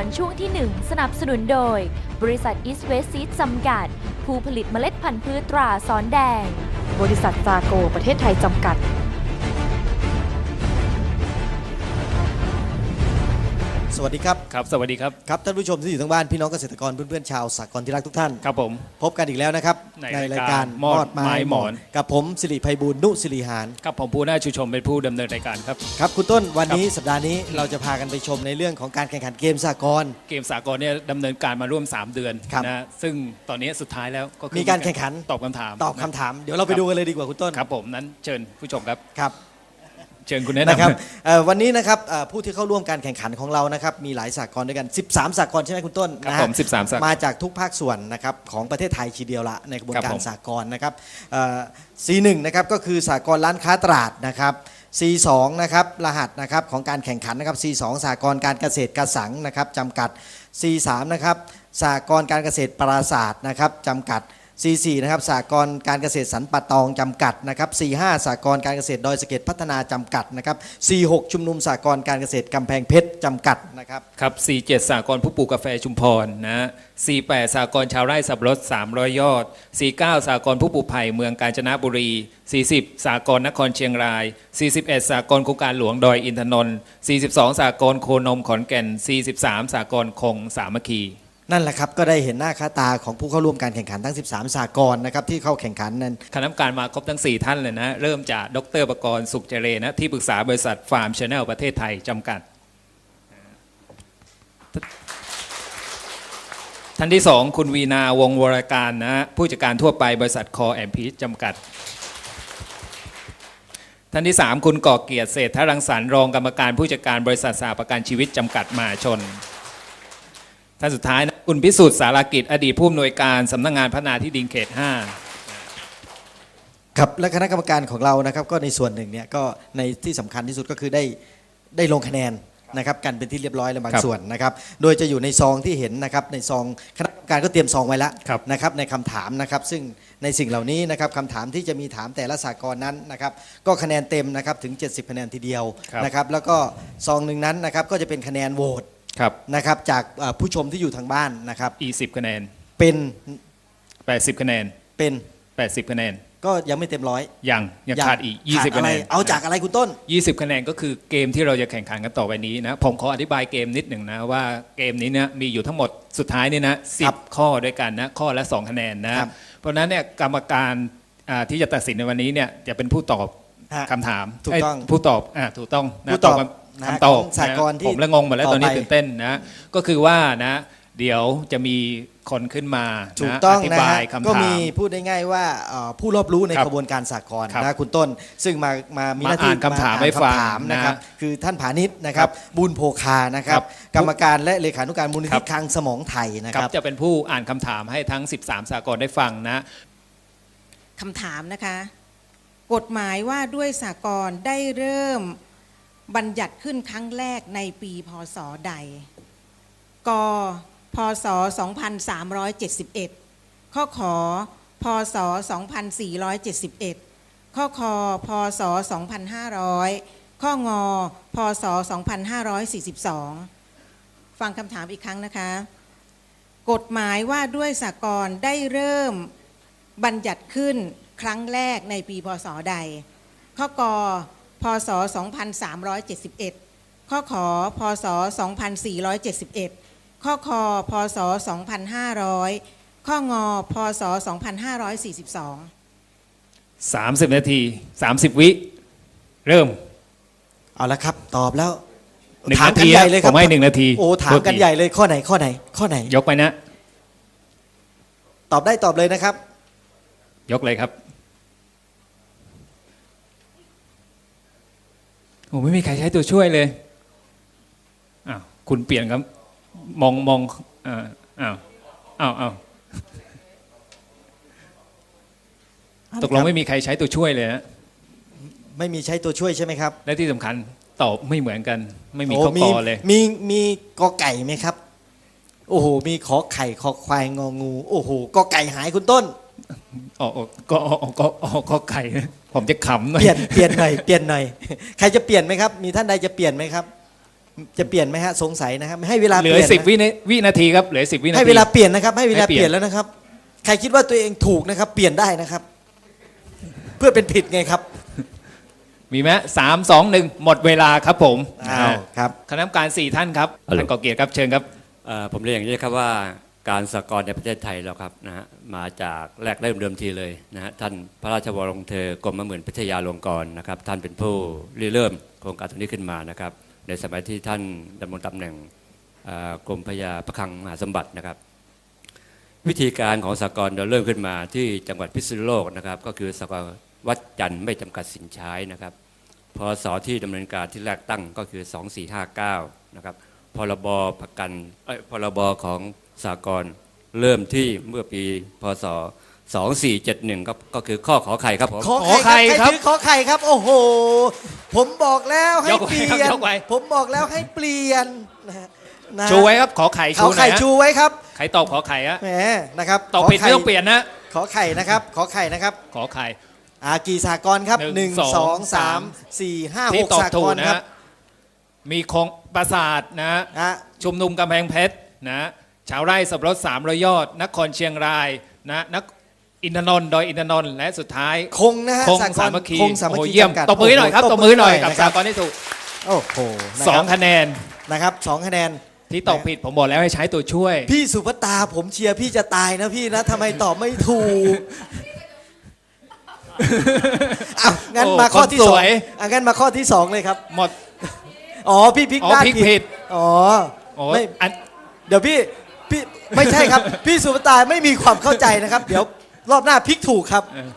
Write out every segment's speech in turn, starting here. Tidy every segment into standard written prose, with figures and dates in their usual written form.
รช่วงที่ 1 สนับสนุนโดย บริษัท East West Seed จำกัด ผู้ผลิตเมล็ดพันธุ์พืชตราสอนแดง บริษัทซาโกประเทศไทยจำกัดสวัสดีครับครับสวัสดีครับครับท่านผู้ชมที่อยู่ทางบ้านพี่น้องเกษตรกรเพื่อนๆชาวสากลที่รักทุกท่านครับผมพบกันอีกแล้วนะครับในรายการมอดไม้หมอนกับผมสิริไพบูลย์นุสิริหารครับผมผู้น่าชูชมเป็นผู้ดำเนินรายการครับครับคุณต้นวันนี้สัปดาห์นี้เราจะพากันไปชมในเรื่องของการแข่งขันเกมสากลเกมสากลเนี่ยดำเนินการมาร่วม3 เดือนครับนะซึ่งตอนนี้สุดท้ายแล้วก็คือมีการแข่งขันตอบคำถามตอบคำถามเดี๋ยวเราไปดูกันเลยดีกว่าคุณต้นครับผมนั้นเชิญผู้ชมครับครับเชิญคุณแนะนะครับนำวันนี้นะครับผู้ที่เข้าร่วมการแข่งขันของเรานะครับมีหลายสากลด้วยกัน13สากลใช่ไหมคุณต้นครับนะฮะผม13สากลมาจากทุกภาคส่วนนะครับของประเทศไทยทีเดียวละในกระบวนครับการผมสากลนะครับC1 นะครับก็คือสากลร้านค้าตราดนะครับ C2 นะครับรหัสนะครับของการแข่งขันนะครับ C2 สากลการเกษตรกระสังนะครับจำกัด C3 นะครับสากลการเกษตรปราศาสตร์นะครับจำกัด C4 นะครับสากลการเกษตรสันป่าตองจำกัดนะครับ C5 สากลการเกษตรดอยสะเก็ดพัฒนาจำกัดนะครับ C6 ชุมนุมสากลการเกษตรกำแพงเพชรจำกัดนะครับครับ C7 สากลผู้ปลูกกาแฟชุมพรนะ C8 สากลชาวไร่สับปะรด300 ยอด C9 สากลผู้ปลูกไผ่เมืองกาญจนบุรี C10 สากลนครเชียงราย C11 สากลโครงการหลวงดอยอินทนนท์ C12 สากลโคนมขอนแก่น C13 สากลคงสามัคคีนั่นแหละครับก็ได้เห็นหน้าค่าตาของผู้เข้าร่วมการแข่งขันทั้ง13สากลนะครับที่เข้าแข่งขันนั้นคณะกรรมการมาครบทั้ง 4 ท่านเลยนะ เริ่มจากดร.ประกรณ์สุขเจริญนะที่ปรึกษาบริษัทฟาร์มชาแนลประเทศไทยจำกัด ท่านที่ 2 คุณวีนาวงศ์วรการนะผู้จัดการทั่วไปบริษัทคอแอมพีจำกัด ท่านที่ 3 คุณก่อเกียรติเศรษฐรังสรรค์รองกรรมการผู้จัดการบริษัทสหประกันชีวิตจำกัดมหาชน ท่านสุดท้ายนะคุณพิสุทธิ์สารกิจอดีตผู้อำนวยการสำนักงานพัฒนาที่ดินเขต 5 ครับและคณะกรรมการของเรานะครับก็ในส่วนหนึ่งเนี่ยก็ในที่สำคัญที่สุดก็คือได้ลงคะแนนนะครับกันเป็นที่เรียบร้อยแล้วบางส่วนนะครับโดยจะอยู่ในซองที่เห็นนะครับในซองคณะกรรมการก็เตรียมซองไว้แล้วนะครับในคำถามนะครับซึ่งในสิ่งเหล่านี้นะครับคำถามที่จะมีถามแต่ละสากลนั้นนะครับก็คะแนนเต็มนะครับถึง70คะแนนทีเดียวนะครับแล้วก็ซองหนึ่งนั้นนะครับก็จะเป็นคะแนนโหวตนะครับจากผู้ชมที่อยู่ทางบ้านนะครับ 10 คะแนนเป็น 80 คะแนนเป็น 80 คะแนนก็ยังไม่เต็มร้อยยังขาดอีก 20 คะแนนเอาจากอะไรคุณต้น 20 คะแนนก็คือเกมที่เราจะแข่งขันกันต่อไปนี้นะผมขออธิบายเกมนิดหนึ่งนะว่าเกมนี้เนี่ยมีอยู่ทั้งหมดสุดท้ายนี่นะ10 ข้อด้วยกันนะข้อละ2 คะแนนนะเพราะฉะนั้นเนี่ยกรรมการที่จะตัดสินในวันนี้เนี่ยจะเป็นผู้ตอบคำถามถูกต้องผู้ตอบถูกต้องนะผู้ตอบคำตอบสากลที่ผมละงงหมดแล้วตอนนี้ตื่นเต้นนะก็คือว่านะเดี๋ยวจะมีคนขึ้นมาถูกต้องอธินะบาฮะยคำถามก็มีพูดได้ง่ายว่าผู้รอบรู้ในครับกระบวนการสากลครับนะคุณต้น ซึ่งมามีหน้าที่มาอ่านคำถามให้ฟังคำถามนะครับนะคือท่านผานิชนะครับบุญโภคานะครับครับกรรมการและเลขานุการมูลนิครัธิบคลังสมองไทยนะคครัรับบ จะเป็นผู้อ่านคำถามให้ทั้ง 13 สากลได้ฟังนะคำถามนะคะ กฎหมายว่าด้วยสากลได้เริ่มบัญญัติขึ้นครั้งแรกในปีพศใด กพศ 2371 ข้อขอพศ 2471 ข้อคพศ 2500 ข้องอพศ 2542 ฟังคำถามอีกครั้งนะคะ กฎหมายว่าด้วยสากลได้เริ่มบัญญัติขึ้นครั้งแรกในปีพศใด ข้อกพศ 2371 ข้อขอพศ 2471 ข้อคพศ 2500 ข้องอพศ 2542 30 นาที 30 วิเริ่มเอาละครับตอบแล้ว 1 ถามนากัทีนใหญ่เลยคผรับมให้1 นาทีโอ้ถามกันใหญ่เลยข้อไหนข้อไหนข้อไหนยกไปนะตอบได้ตอบเลยนะครับยกเลยครับโอ้ไม่มีใครใช้ตัวช่วยเลยอ้าวคุณเปลี่ยนครับมองอ้าวตกลงไม่มีใครใช้ตัวช่วยเลยนะไม่มีใช้ตัวช่วยใช่ไหมครับและที่สำคัญตอบไม่เหมือนกัน ไม่มีโอ้ข้อกอเลยมีกอไก่ไหมครับโอ้โหมีขอไข่ขอควายงองูโอ้โหกอไก่หายคุณต้นก็ไก่นะผมจะขำหน่อยเปลี่ยนหน่อยใครจะเปลี่ยนไหมครับมีท่านใดจะเปลี่ยนไหมครับจะเปลี่ยนไหมฮะสงสัยนะครับให้เวลาเหลืเปอลี่ยน 10วินาทีครับเหลือ10 วินาทีให้เวลาเปลี่ยนนะครับให้เวลาให้เปเปลี่ลี่ยยนนแล้วนะครับ ใครคิดว่าตัวเองถูกนะครับ เปลี่ยนได้นะครับ เพื่อเป็นผิดไงครับมีไหม3 2 1 หมดเวลาครับผมอ้าวครับคณะกรรมการ4ท่านครับฮัลโหลท่านก่อเกียรติครับเชิญครับผมเรียนอย่างนี้ครับว่าการสหกรณ์ในประเทศไทยเราครับนะฮะมาจากแรกเริ่มเดิมทีเลยนะฮะท่านพระราชวรวงศ์เธอกรมหมื่นพิทยาลงกรณ์นะครับท่านเป็นผู้ริเริ่มโครงการตรงนี้ขึ้นมานะครับในสมัยที่ท่านดำรงตำแหน่งกรมพระยาพระคลังมหาสมบัตินะครับ วิธีการของสหกรณ์เราเริ่มขึ้นมาที่จังหวัดพิษณุโลกนะครับก็คือสหกรณ์วัดจันทร์ไม่จำกัดสินใช้นะครับพศที่ดำเนินการที่แรกตั้งก็คือ 2459 นะครับพรบประกันพรบของสหกรณ์เริ่มที่เมื่อปีพศ 2471ก็คือข้อขอไข่ครับผมขอไข่ครับถือขอไข่ครับ โอ้โห ผมบอกแล้วให้ยกไว้เปลี่ครับยนยกไว้ผมบอกแล้วให้เปลี่ยนนะฮะนะชูไว้ครับขอไข่ขอชูหน่ไข่อยฮะชูไว้ครับใครตอบขอไข่ฮะแหมนะครับตอบผิดขข่ไม่ต้องเปลี่ยนนะขอไข่นะครับ ขอไข่นะครับขอไข่กี่สากรณ์ครับหนึ่ง 1 สอง 2 3 4 5 ที่ 6 ตอบสากถูกรณ์นะครับ ฮะมีคงปราสาทนะฮะฮะชุมนุมกำแพงเพชรนะชาวไร่สับปะรด300 ยอด นครเชียงรายนะนักอินทนนท์ดอยอินทนนท์และสุดท้ายคงนะฮะคงสากรสาณ์มัคคีคงสามัคโอ้คีโหเยี่ยมจำกัดตบมือหน่อยครับโโตบมือหน่อยกับนะสากรณ์ที่ถูกโอ้โหนะสคอรังบคะแนนนะครับ2 คะแนนที่ตอบผิดผมบอกแล้วให้ใช้ตัวช่วยพี่สุภตาผมเชียร์พี่จะตายนะพี่นะทำไมตอบไม่ถูกอ้าวงั้นโอ้มาข้อที่คนสสองวยงั้นมาข้อที่สองเลยครับหมดอ๋อพี่พลิกอ๋อด้านพลิกผิดอ๋อโอ้ไม่อันเดี๋ยวพี่ไม่ใช่ครับ พี่สุภตาไม่มีความเข้าใจนะครับ เดี๋ยวรอบหน้าพลิกถูกครับ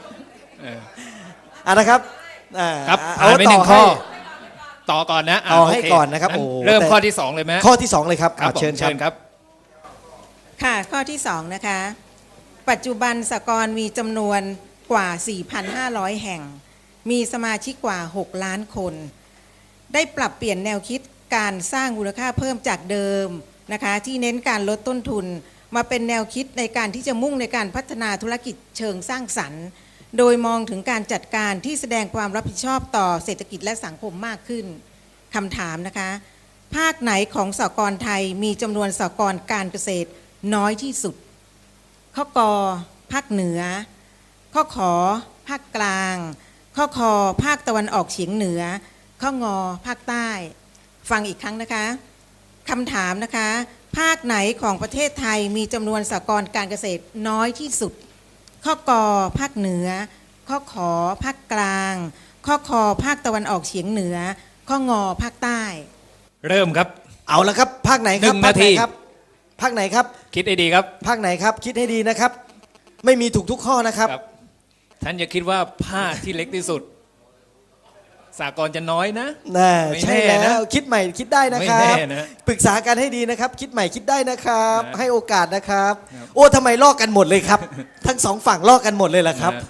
นะครับครับเอาผ่านไปต่ 1 ข้อให้ต่อก่อนนะเอาให้โเคก่อนนะครับงั้โอ้เริ่มแต่ข้อที่ 2 เลยไหมข้อที่สองเลยครับครับผมเชิญครับครับค่ะข้อที่2นะคะปัจจุบันสหกรณ์มีจำนวนกว่า 4,500 แห่ง มีสมาชิกกว่า 6 ล้านคน ได้ปรับเปลี่ยนแนวคิดการสร้างมูลค่าเพิ่มจากเดิมนะคะที่เน้นการลดต้นทุน มาเป็นแนวคิดในการที่จะมุ่งในการพัฒนาธุรกิจเชิงสร้างสรรค์ โดยมองถึงการจัดการที่แสดงความรับผิดชอบต่อเศรษฐกิจและสังคมมากขึ้นคำถามนะคะภาคไหนของสหกรณ์ไทยมีจำนวนสหกรณ์การเกษตรน้อยที่สุด ข้อกอภาคเหนือ ข้อขอภาคกลาง ข้อคอภาคตะวันออกเฉียงเหนือ ข้องอภาคใต้ ฟังอีกครั้งนะคะคำถามนะคะภาคไหนของประเทศไทยมีจำนวนสหกรณ์การเกษตรน้อยที่สุด ข้อกอภาคเหนือ ข้อขอภาคกลาง ข้อคอภาคตะวันออกเฉียงเหนือ ข้องอภาคใต้เริ่มครับเอาละครับภาคไหนครับ 1 นาทีภาคไหนครับคิดให้ดีครับภาคไหนครับ คิดให้ดีนะครับ ไม่มีถูกทุกข้อนะครับครับ ท่านอย่าคิดว่าผ้าที่เล็กที่สุด สากลจะน้อยนะน่าไม่ใช่แน่แล้นะวคิดใหม่คิดได้นะไม่ครัแน่บนะปรึกษากันให้ดีนะครับ คิดใหม่คิดได้นะครับนะให้โอกาสนะครับครับโอ้ทำไมลอกกันหมดเลยครับ ทั้งสองฝั่งลอกกันหมดเลยล่ะครับนะ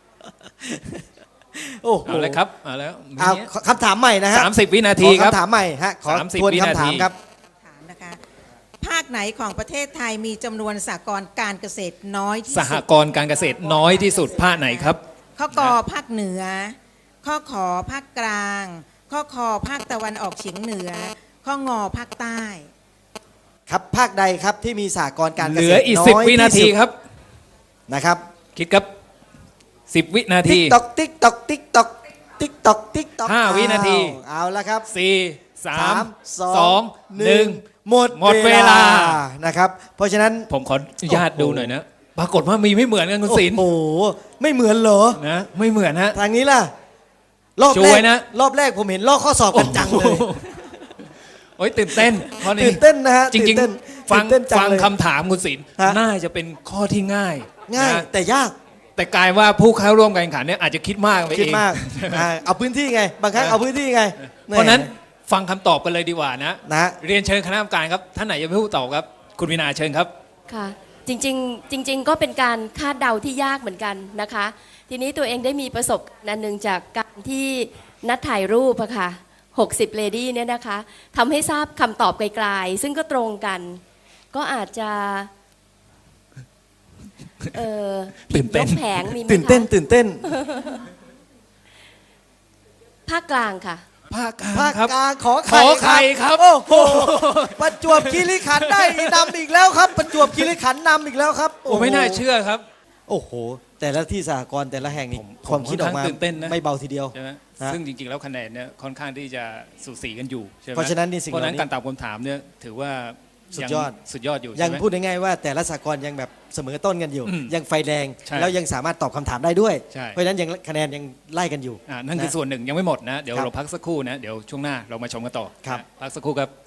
โอ้โหเอาเลยครับเอาแล้วมีเอาคำถามใหม่นะฮะ 30 วินาทีครับขอคำถามใหม่ฮะขอ 30 ทวนวินาคำถามทีครับถามนะคะภาคไหนของประเทศไทยมีจำนวนสหกรณ์การเกษตรน้อยที่สสุหดกรณ์การเกษตรน้อยที่สุดผ้าไหนครับข้อกอภาคเหนือ ข้อขอภาคกลาง ข้อคอภาคตะวันออกเฉียงเหนือ ข้องอภาคใต้ครับภาคใดครับที่มีสหกรณ์การเกษตรเหลืออีกน้ย 10 วินาทีที่สุดครับนะครับคิดครับ 10 วินาติ๊ทีกตอกติ๊กตอกติ๊กตอกติ๊กตอกติ๊กตอก 5 วินาทีเอาละครับ 4 3 2 1 หมดหมดเวลานะครับ เพราะฉะนั้นผมขออนุญาตดูหน่อยนะ ปรากฏว่ามีไม่เหมือนกันคุณศิลป์โอ้โหไม่เหมือนเหรอนะไม่เหมือนฮะทางนี้ล่ะรอบช่แรวยกนะรอบแรกผมเห็นลอกข้อสอบกันจังเลยโอ้ยตื่นเต้นข้อนี้ตื่นเต้นนะฮะจริงตื่นเต้นๆ ฟังตื่นเต้นจังฟังเลยคำถามคุณศิลป์ฮะน่าจะเป็นข้อที่ง่ายง่ายนะแต่ยากแต่กลายว่าผู้เข้าร่วมการแข่งขันเนี่ยอาจจะคิดมากไปเองคิดมากเอาพื้นที่ไง บางครั้งเอาพื้นที่ไงเพราะฉะนั้นฟังคำตอบกันเลยดีกว่านะนะเรียนเชิญคณะกรรมการครับท่านไหนจะเป็นผู้ตอบครับ คุณวินาเชิญครับค่ะจริงๆก็เป็นการคาดเดาที่ยากเหมือนกันนะคะ ทีนี้ตัวเองได้มีประสบการณ์อันหนึ่งจากการที่นัดถ่ายรูปอะค่ะ60 เลดี้เนี่ยนะคะทำให้ทราบคำตอบไกลๆซึ่งก็ตรงกัน ก็อาจจะตื่นเต้นยกแผงมีไหมคะตื่นเต้นภาคกลางค่ะภาคกลางภาคครับกลางขอขอไข่ครับโอ้โหประจวบคีรีขันธ์ได้นำอีกแล้วครับ ประจวบคีรีขันธ์นำอีกแล้วครับโอ้ไม่น่าเชื่อครับโอ้โห แต่ละที่สหกรณ์แต่ละแห่งนี่ผมความคิดออกมาค่อนข้างตื่นเต้นนะไม่เบาทีเดียวใช่ไหมฮะซึ่งจริงๆแล้วคะแนนเนี่ยค่อนข้างที่จะสูสีกันอยู่ใช่ไหมเพราะฉะนั้นนี่สิ่งเพราะฉะนั้นเหล่านี้การตอบคำถามเนี่ยถือว่าสุดยอดสุดยอดอยู่ยัใช่งไหมพูดง่ายๆว่าแต่ละสหกรณ์ยังแบบเสมอต้นกันอยู่อืมยังไฟแรงใช่แล้วยังสามารถตอบคำถามได้ด้วยใช่เพราะฉะนั้นยังคะแนนยังไล่กันอยู่นั่นคือส่วนหนึ่งยังไม่หมดนะ เดี๋ยวครับเราพักสักครู่นะ เดี๋ยวช่วงหน้าเรามาชมกันต่อครับนะพักสักครู่ครับ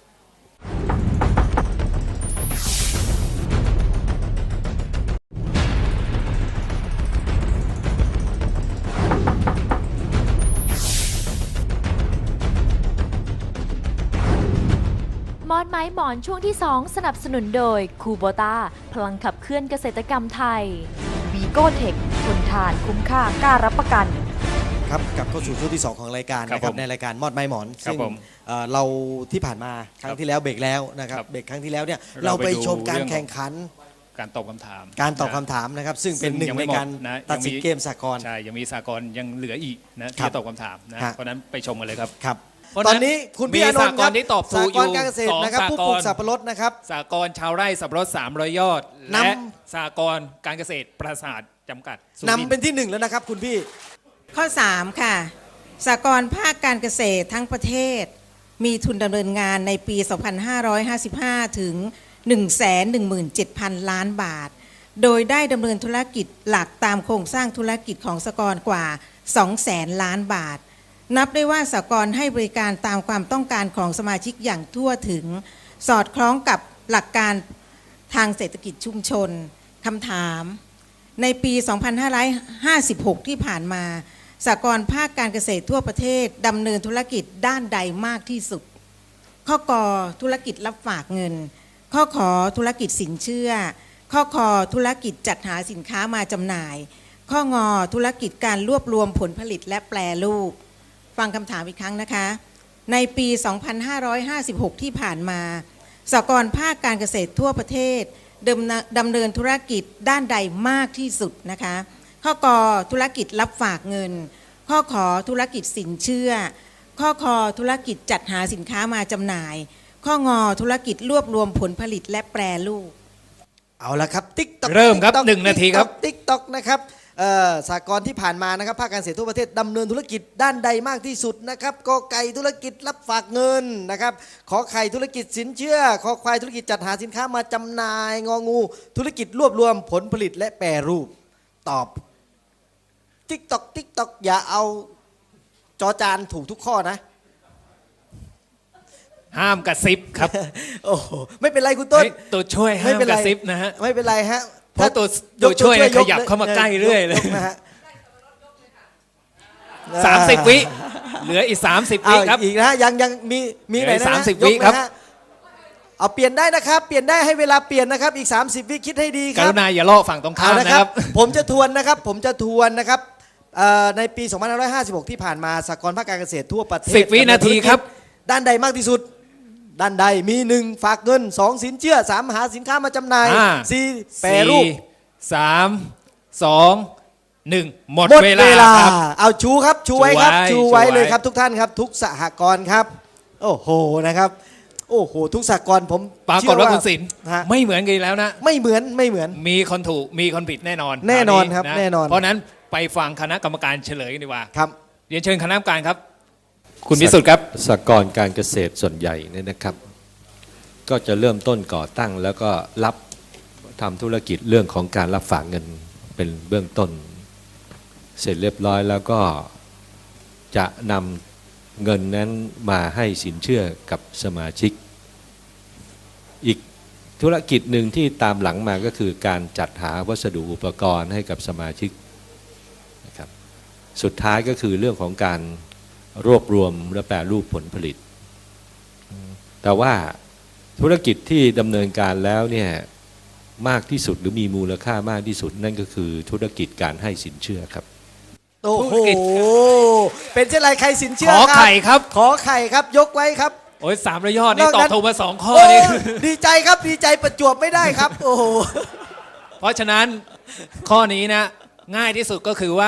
มอนไม้หมอนช่วงที่ 2 สนับสนุนโดยคูโบตาพลังขับเคลื่อนเกษตรกรรมไทยวีโก้เทคทนทานคุ้มค่ากล้ารับประกันครับกลับเข้าสู่ช่วงที่ 2 ของรายการครับนะครับผมในรายการมอดไม้หมอนครับซึ่งผมเราที่ผ่านมาครั้ครังบที่แล้วเบรกแล้วนะครับครับเบรกครั้งที่แล้วเนี่ยเราเราไปไปดูชมการเรื่องแข่งขันการตอบคำถามการตอบนะคำถามนะครับ ซึ่งซึ่เป็นงหนึ่งยังในไม่หมดการนะตัดสินยังมีเกมสากลใช่ยังมีสากลยังเหลืออีกนะครัที่บจะตอบคำถามนะฮะเพราะฉะนั้นไปชมกันเลยครับครับเพราะตฉะอนั้น นนี้คุณมีพี่อานนท์สากลที่ตอบถูสาก กอยู่รการเกษตรนะครับสองผู้ปลูกสากลสับปะรดนะครับสากลชาวไร่สับปะรด300 ยอดนำและสากลการเกษตรปราสาทจำกัดสุริทนำร์เป็นที่ 1 แล้วนะครับคุณพี่ข้อ 3 ค่ะสหกรณ์ภาคการเกษตรทั้งประเทศ มีทุนดำเนินงานในปี 2555 ถึง 117,000 ล้านบาท โดยได้ดำเนินธุรกิจหลักตามโครงสร้างธุรกิจของสหกรณ์กว่า 200,000 ล้านบาท นับได้ว่าสหกรณ์ให้บริการตามความต้องการของสมาชิกอย่างทั่วถึง สอดคล้องกับหลักการทางเศรษฐกิจชุมชนคำถาม ในปี 2556 ที่ผ่านมาสหกรณ์ภาคการเกษตรทั่วประเทศดำเนินธุรกิจด้านใดมากที่สุด ข้อกอธุรกิจรับฝากเงิน ข้อขอธุรกิจสินเชื่อ ข้อคอธุรกิจจัดหาสินค้ามาจำหน่าย ข้องอธุรกิจการรวบรวมผลผลิตและแปรรูป ฟังคำถามอีกครั้งนะคะ ในปี 2556 ที่ผ่านมาสหกรณ์ภาคการเกษตรทั่วประเทศดำเนินธุรกิจด้านใดมากที่สุดนะคะ ข้อกอธุรกิจรับฝากเงิน ข้อขอธุรกิจสินเชื่อ ข้อคอธุรกิจจัดหาสินค้ามาจำหน่าย ข้องอธุรกิจรวบรวมผลผลิตและแปรรูปเอาละครับติ๊กต็อกเริ่มครับ1 นาทีครับติ๊กต็อกนะครับสากลที่ผ่านมานะครับภาคการเกษตรทั่วประเทศดำเนินธุรกิจด้านใดมากที่สุดนะครับกอไก่ธุรกิจรับฝากเงินนะครับขอไข่ธุรกิจสินเชื่อขอควายธุรกิจจัดหาสินค้ามาจำหน่ายงองูธุรกิจรวบรวมผลผลิตและแปรรูปตอบติ๊กต็อกอย่าเอาจอจานถูกทุกข้อนะห้ามกระซิบครับโอ้โหไม่เป็นไรคุณต้นเฮ้ยตัวช่วยห้ามกระซิบนะฮะไม่เป็นไรฮะเพราะตัวช่วยเนี่ยขยับเข้ามาใกล้เรื่อยเลยกนะฮะ 30 วิ เหลืออีก 30 เอาวิครับอีกนะฮะยังมีไหนนะเหลืออีกฮะ 30 ยกวิครับนะฮะเอาเปลี่ยนได้นะครับเปลี่ยนได้ให้เวลาเปลี่ยนนะครับอีก 30 วิคิดให้ดีคกรับรุณาอย่าล่อฝั่งตรงข้ามเอานะครับผมจะทวนนะครับในปี 2556 ที่ผ่านมาสหกรณ์ภาคการเกษตรทั่วประเทศ 10 วินาทีครับด้านใดมากที่สุด ด้านใดมี 1 ฝากเงิน 2 สินเชื่อ 3 หาสินค้ามาจำหน่าย 4 แปรรูป 3 2 1 หมดหมดเวเวลาลาครับเอาชูครับชูไว้ครับชูชูไว้ไว้เลยครับทุกท่านครับ ทุกสหกรณ์ครับ โอ้โหนะครับโอ้โหทุกสหกรณ์ผมปรากฏว่าคุณศิลป์ฮะไม่เหมือนกันอีกแล้วนะไม่เหมือนมีคนถูกมีคนผิดแน่นอนแน่นอนวครับะแน่นอนเพราะฉะนั้นไปฟังคณะกรรมการเฉลยกันดีกว่าครับเรียนเชิญคณะกรรมการครับ คุณพิสุทธิ์ครับสหกรณ์การเกษตรส่วนใหญ่เนี่ยนะครับ ก็จะเริ่มต้นก่อตั้งแล้วก็รับทำธุรกิจเรื่องของการรับฝากเงินเป็นเบื้องต้น เสร็จเรียบร้อยแล้วก็จะนำเงินนั้นมาให้สินเชื่อกับสมาชิก อีกธุรกิจหนึ่งที่ตามหลังมาก็คือการจัดหาวัสดุอุปกรณ์ให้กับสมาชิกนะครับสุดท้ายก็คือเรื่องของการรวบรวมและแปรรูปผลผลิต แต่ว่าธุรกิจที่ดำเนินการแล้วเนี่ยมากที่สุดหรือมีมูลค่ามากที่สุดนั่นก็คือธุรกิจการให้สินเชื่อครับโอ้ธุโหรกิจเป็นเช่นไรใครสินเชื่อขอไข่ครับขอไข่ครับยกไว้ครับโอ้ย300 ยอดนี่นอกตนั้อบนถูกมา 2 ข้อโอ้นี่ดีใจครับดีใจประจวบไม่ได้ครับ โอ้โหเพราะฉะนั้นข้อนี้นะง่ายที่สุดก็คือว่า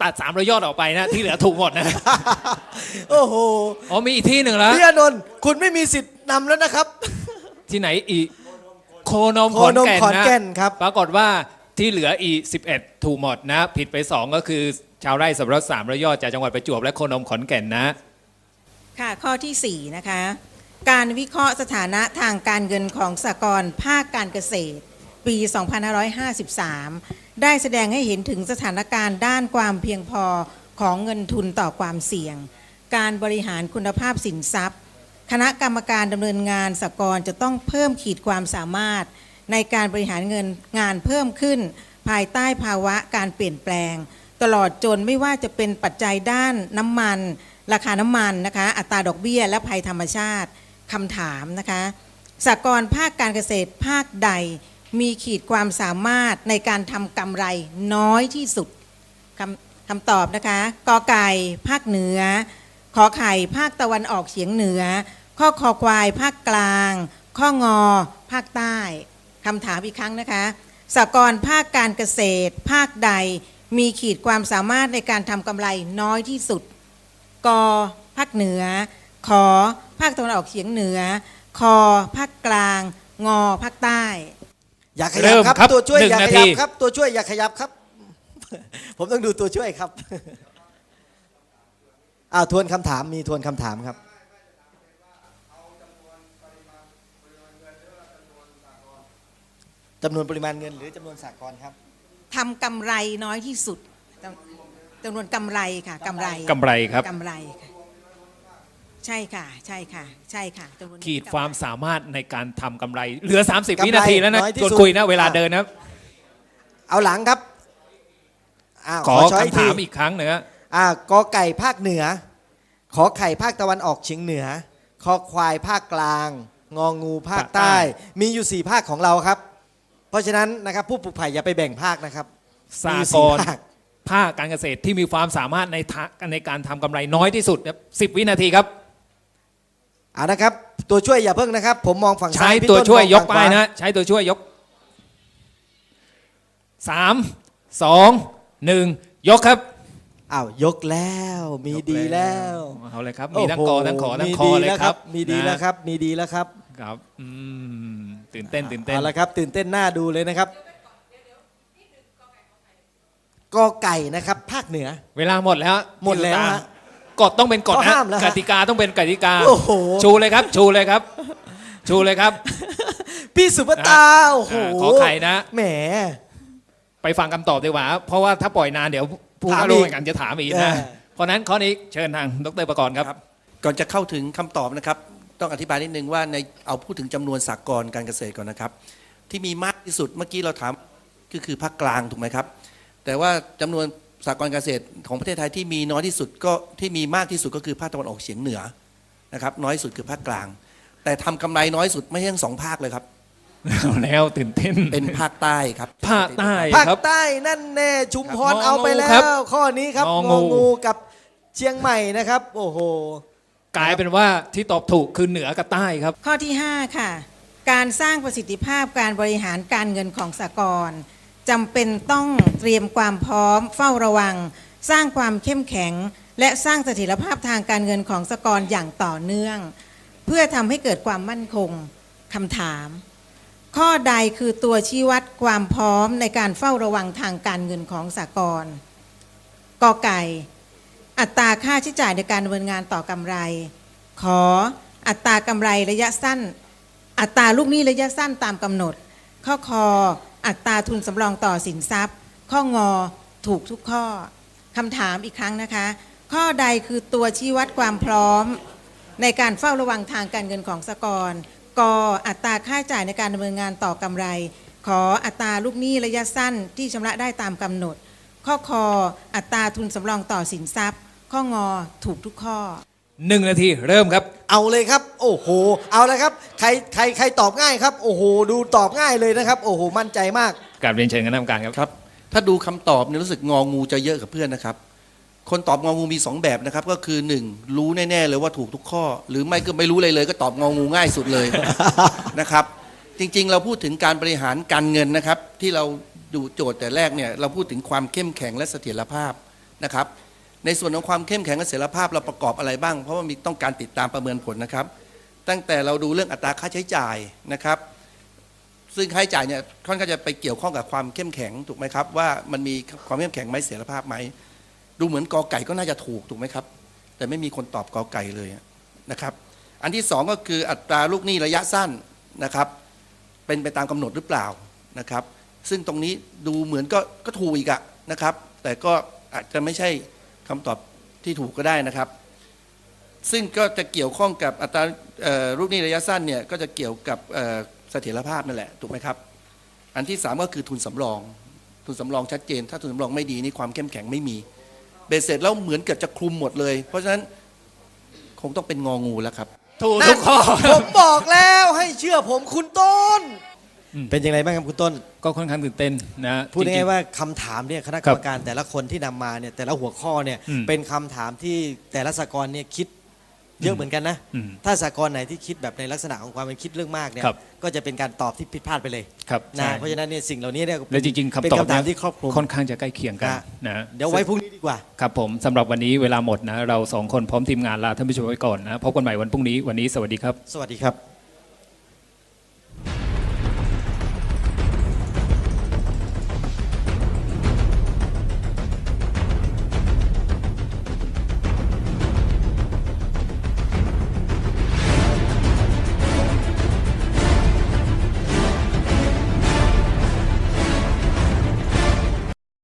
ตัด300 ยอดออกไปนะที่เหลือถูกหมดนะโอ้โหอ๋อมีอีกที่หนึ่งแล้วพี่อานนท์คุณไม่มีสิทธิ์นำแล้วนะครับที่ไหนอีกโคนมโคขอนมแก่นขอนนะแก่นครับปรากฏว่าที่เหลืออีก11ถูกหมดนะผิดไป2ก็คือชาวไร่สับปะรด300 ยอดจากจังหวัดประจวบและโคนมขอนแก่นนะค่ะข้อที่ 4 นะคะ การวิเคราะห์สถานะทางการเงินของสหกรณ์ภาคการเกษตร ปี 2553 ได้แสดงให้เห็นถึงสถานการณ์ด้านความเพียงพอของเงินทุนต่อความเสี่ยง การบริหารคุณภาพสินทรัพย์ คณะกรรมการดำเนินงานสหกรณ์จะต้องเพิ่มขีดความสามารถในการบริหารเงินงานเพิ่มขึ้น ภายใต้ภาวะการเปลี่ยนแปลง ตลอดจนไม่ว่าจะเป็นปัจจัยด้านน้ำมัน ราคาน้ำมันนะคะอัตราดอกเบี้ยและภัยธรรมชาติคำถามนะคะสหกรณ์ภาคการเกษตรภาคใดมีขีดความสามารถในการทำกำไรน้อยที่สุดคำตอบนะคะกอไก่ภาคเหนือขอไข่ภาคตะวันออกเฉียงเหนือข้อคอควายภาคกลาง ข้องอภาคใต้คำถามอีกครั้งนะคะสหกรณ์ภาคการเกษตรภาคใดมีขีดความสามารถในการทำกำไรน้อยที่สุดกภาคเหนือขอภาคตะวันออกเฉียงเหนือคอภาคกลางงอภาคใต้อย่าขเริ่ยับมครับครับตัวช่วย 1 อย่าขนายัทีบครับตัวช่วยอย่าขยับครับ ผมต้องดูตัวช่วยครับ ทวนคำถามมีทวนคำถามครับจำนวนปริมาณเงินหรือจำนวนสหกรณ์ครับทำกำไรน้อยที่สุดจำนวนกำไรค่ะกำไรกำไรครับกำไรค่ะใช่ค่ะใช่ค่ะใช่ค่ะจำนวนขีดความสามารถในการทำกำไรเหลือ30 กำไรวินาทีแล้วนะน้อยที่ชวนสุดคุยนะเวลาเดินนะครับเอาหลังครับขอช้ยคำถามอีกครั้งหนึ่งนะกอไก่ภาคเหนือขอไข่ภาคตะวันออกเฉียงเหนือคอควายภาคกลางงองูภาคใต้ มีอยู่4ภาคของเราครับ เพราะฉะนั้นนะครับผู้ปลูกไผ่อย่าไปแบ่งภาคนะครับสหมีกสี่รณ์ภาคภาคการเกษตรที่มีความสามารถในการทำกำไรน้อยที่สุดครับ10 วินาทีครับนะครับตัวช่วยอย่าเพิ่งนะครับ ผมมองฝั่งใช้ซ้ายพี่ตัวช่วยมองยกฝั่งขป้ายว นะใช้ตัวช่วยยก3 2 1ยกครับยกแล้วมีดีแล้วเอาเลยครับมีทั้งกอทั้งขอทั้งคอเลยครับมีดีแล้วนะครับมีดีแล้วครับครับตื่นเต้นตื่นเต้นเอาละครับตื่นเต้นหน้าดูเลยนะครับกอไก่นะครับภาคเหนือเวลาหมดแล้วหมดแล้วฮะกฎต้องเป็นกฎเขานะห้ามแล้วฮะกติกาต้องเป็นกติกาโอ้โหชูเลยครับ ชูเลยครับ ชูเลยครับพี่สุภตาโอ้โหขอไข่นะแหมไปฟังคำตอบดีกว่า เพราะว่าถ้าปล่อยนานเดี๋ยวผู้ถามเข้าร่วมอีกแข่งขันจะถามอีกเอนะอเพราะนั้นข้อนี้เชิญทางดรประกรณ์ครับก่อนจะเข้าถึงคำตอบนะครับต้องอธิบายนิดนึงว่าในเอาพูดถึงจำนวนสหกรณ์การเกษตรก่อนนะครับที่มีมากที่สุดเมื่อกี้เราถามก็คือภาคกลางถูกไหมครับแต่ว่าจำนวนสหกรณ์เกษตรของประเทศไทยที่มีน้อยที่สุดก็ที่มีมากที่สุดก็คือภาคตะวันออกเฉียงเหนือนะครับน้อยสุดคือภาคกลาง แต่ทำกำไรน้อยสุดไม่ใช่ทั้ง2 ภาคเลยครับเอาแล้วตื่นเต้นเป็นภาคใต้ครับภาคใต้ภาคครับใต้นั่นแน่ชุมพรครับเอาไปแล้งองูครับว ข้อนี้ครับงงอองูงูกับเชียงใหม่นะครับ โอ้โหกลายเป็นว่าที่ตอบถูกคือเหนือกับใต้ครับข้อที่ 5 ค่ะ การสร้างประสิทธิภาพการบริหารการเงินของสหกรณ์จำเป็นต้องเตรียมความพร้อมเฝ้าระวัง สร้างความเข้มแข็ง และสร้างเสถียรภาพทางการเงินของสหกรณ์อย่างต่อเนื่อง เพื่อทำให้เกิดความมั่นคงคำถาม ข้อใดคือตัวชี้วัดความพร้อมในการเฝ้าระวังทางการเงินของสหกรณ์กอไก่ อัตราค่าใช้จ่ายในการดำเนินงานต่อกำไร ขออัตรากำไรระยะสั้น อัตราลูกหนี้ระยะสั้นตามกำหนด ข้อคออัตราทุนสำรองต่อสินทรัพย์ ข้องอถูกทุกข้อคำถามอีกครั้งนะคะ ข้อใดคือตัวชี้วัดความพร้อมในการเฝ้าระวังทางการเงินของสหกรณ์กอัตราค่าใช้จ่ายในการดำเนินงานต่อกำไร ขออัตราลูกหนี้ระยะสั้นที่ชำระได้ตามกำหนด ข้อคออัตราทุนสำรองต่อสินทรัพย์ ข้องอถูกทุกข้อ 1 นาทีเริ่มครับเอาเลยครับ โอ้โห เอาเลยครับ ใครตอบง่ายครับ โอ้โห ดูตอบง่ายเลยนะครับ โอ้โห มั่นใจมากกราบเรียนเชิญคณะกรรมการครับครับถ้าดูคำตอบเนี่ยรู้สึกงองูจะเยอะกับเพื่อนนะครับคนตอบงองูมี2แบบนะครับก็คือ1รู้แน่ๆเลยว่าถูกทุกข้อ หรือไม่ก็ไม่รู้เลยก็ตอบงองูง่ายสุดเลย นะครับจริงๆเราพูดถึงการบริหารการเงินนะครับที่เราดูโจทย์แต่แรกเนี่ยเราพูดถึงความเข้มแข็งและเสถียรภาพนะครับในส่วนของความเข้มแข็งและเสถียรภาพเราประกอบอะไรบ้างเพราะว่ามีต้องการติดตามประเมินผลนะครับตั้งแต่เราดูเรื่องอัตราค่าใช้จ่ายนะครับซึ่งค่าใช้จ่ายเนี่ยค่อนข้างจะไปเกี่ยวข้องกับความเข้มแข็งถูกไหมครับว่ามันมีความเข้มแข็งไหมเสถียรภาพไหมดูเหมือนกอไก่ก็น่าจะถูกไหมครับแต่ไม่มีคนตอบกอไก่เลยนะครับอันที่สองก็คืออัตราลูกหนี้ระยะสั้นนะครับเป็นไปตามกำหนดหรือเปล่านะครับซึ่งตรงนี้ดูเหมือนก็ถูกอีกนะครับแต่ก็อาจจะไม่ใช่คำตอบที่ถูกก็ได้นะครับซึ่งก็จะเกี่ยวข้องกับอัตราลูกหนี้ระยะสั้นเนี่ยก็จะเกี่ยวกับเสถียรภาพนั่นแหละถูกไหมครับอันที่3ก็คือทุนสำรองชัดเจนถ้าทุนสำรองไม่ดีนี่ความเข้มแข็งไม่มีเบสเสร็จแล้วเหมือนเกือบจะคลุมหมดเลยเพราะฉะนั้นคงต้องเป็นงองูแล้วครับถูกทุกข้อผมบอกแล้วให้เชื่อผมคุณต้นเป็นยังไงบ้างครับคุณต้นก็ค่อนข้างตื่นเต้นนะพูดจริง่ายงๆว่าคำถามเนี่ยคณะกรรมการแต่ละคนที่นำมาเนี่ยแต่ละหัวข้อเนี่ยอืมเป็นคำถามที่แต่ละสหกรณ์เนี่ยคิดเยอะเหมือนกันนะอืมถ้าสหกรณ์ไหนที่คิดแบบในลักษณะของความเป็นคิดเรื่องมากเนี่ยครับก็จะเป็นการตอบที่ผิดพลาดไปเลยครับนะใช่เพราะฉะนั้นเนี่ยสิ่งเหล่านี้เนี่ยและจริงๆเป็นคำตอบคำถามเนี่ยที่ครอบคลุมค่อนข้างจะใกล้เคียงกันนะนะเดี๋ยวไว้พรุ่งนี้ดีกว่าครับผมสำหรับวันนี้เวลาหมดนะเราสองคนพร้อมทีมงานลาท่านผู้ชมไว้ก่อนนะพบกันใหม่วันพรุ่งนี้วันนี้สวัสดีครับสวัสดีครับ